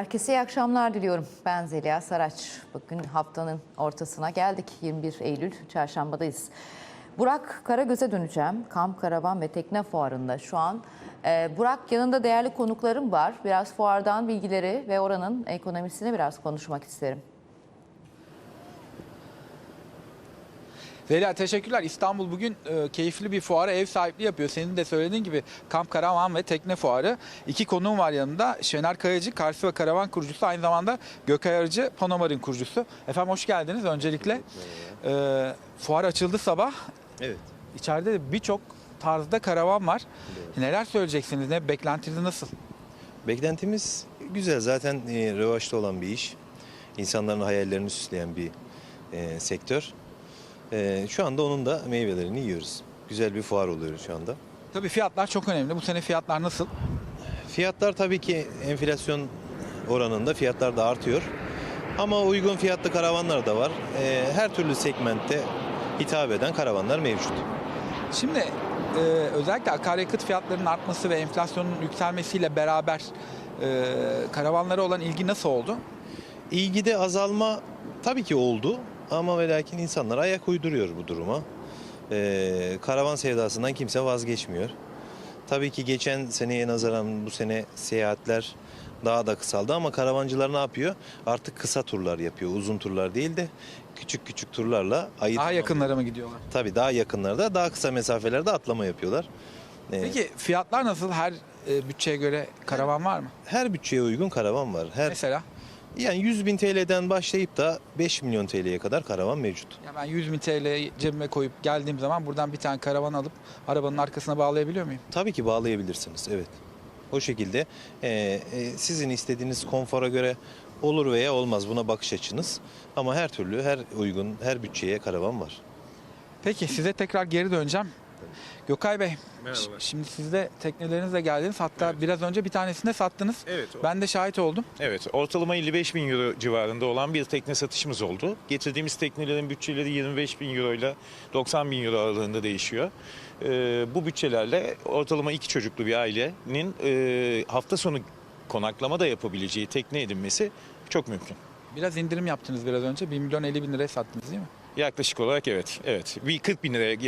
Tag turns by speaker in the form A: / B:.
A: Herkese iyi akşamlar diliyorum. Ben Zeliha Saraç. Bugün haftanın ortasına geldik. 21 Eylül Çarşamba'dayız. Burak Karagöz'e döneceğim. Kamp, Karavan ve Tekne Fuarı'nda şu an. Burak, yanında değerli konuklarım var. Biraz fuardan bilgileri ve oranın ekonomisini biraz konuşmak isterim.
B: Zeliha, teşekkürler. İstanbul bugün keyifli bir fuara ev sahipliği yapıyor. Senin de söylediğin gibi Kamp, Karavan ve Tekne Fuarı. İki konuğum var yanında. Şener Kayacı, Karsi ve Karavan kurucusu. Aynı zamanda Gökay Arıcı, Panomar'ın kurucusu. Efendim hoş geldiniz öncelikle. Fuar açıldı sabah.
C: Evet.
B: İçeride de birçok tarzda karavan var. Evet. Neler söyleyeceksiniz? Ne beklentiniz nasıl?
C: Beklentimiz güzel. Zaten revaçta olan bir iş. İnsanların hayallerini süsleyen bir sektör. Şu anda onun da meyvelerini yiyoruz. Güzel bir fuar oluyor şu anda.
B: Tabii fiyatlar çok önemli. Bu sene fiyatlar nasıl?
C: Fiyatlar tabii ki enflasyon oranında fiyatlar da artıyor. Ama uygun fiyatlı karavanlar da var. Her türlü segmentte hitap eden karavanlar mevcut.
B: Şimdi özellikle akaryakıt fiyatlarının artması ve enflasyonun yükselmesiyle beraber karavanlara olan ilgi nasıl oldu?
C: İlgide azalma tabii ki oldu. Ama ve lakin insanlar ayak uyduruyor bu duruma. Karavan sevdasından kimse vazgeçmiyor. Tabii ki geçen seneye nazaran bu sene seyahatler daha da kısaldı ama karavancılar ne yapıyor? Artık kısa turlar yapıyor. Uzun turlar değil de küçük küçük turlarla ayı
B: Daha yakınlara mı gidiyorlar?
C: Tabii daha yakınlarda, daha kısa mesafelerde atlama yapıyorlar.
B: Peki fiyatlar nasıl? Her bütçeye göre karavan var mı?
C: Her bütçeye uygun karavan var.
B: Mesela?
C: Yani 100.000 TL'den başlayıp da 5 milyon TL'ye kadar karavan mevcut.
B: Ya ben 100.000 TL cebime koyup geldiğim zaman buradan bir tane karavan alıp arabanın arkasına bağlayabiliyor muyum?
C: Tabii ki bağlayabilirsiniz, evet. O şekilde sizin istediğiniz konfora göre olur veya olmaz, buna bakış açınız. Ama her türlü, her uygun, her bütçeye karavan var.
B: Peki size tekrar geri döneceğim. Gökay Bey,
D: Merhabalar.
B: şimdi siz de teknelerinizle geldiniz. Hatta
D: Evet.
B: biraz önce bir tanesini de sattınız.
D: Evet.
B: Ben de şahit oldum.
D: Evet, ortalama 55 bin euro civarında olan bir tekne satışımız oldu. Getirdiğimiz teknelerin bütçeleri 25 bin euro ile 90 bin euro aralığında değişiyor. Bu bütçelerle ortalama 2 çocuklu bir ailenin hafta sonu konaklama da yapabileceği tekne edinmesi çok mümkün.
B: Biraz indirim yaptınız biraz önce. 1 milyon 50 bin liraya sattınız değil mi?
D: Yaklaşık olarak evet. Bir 40 bin liraya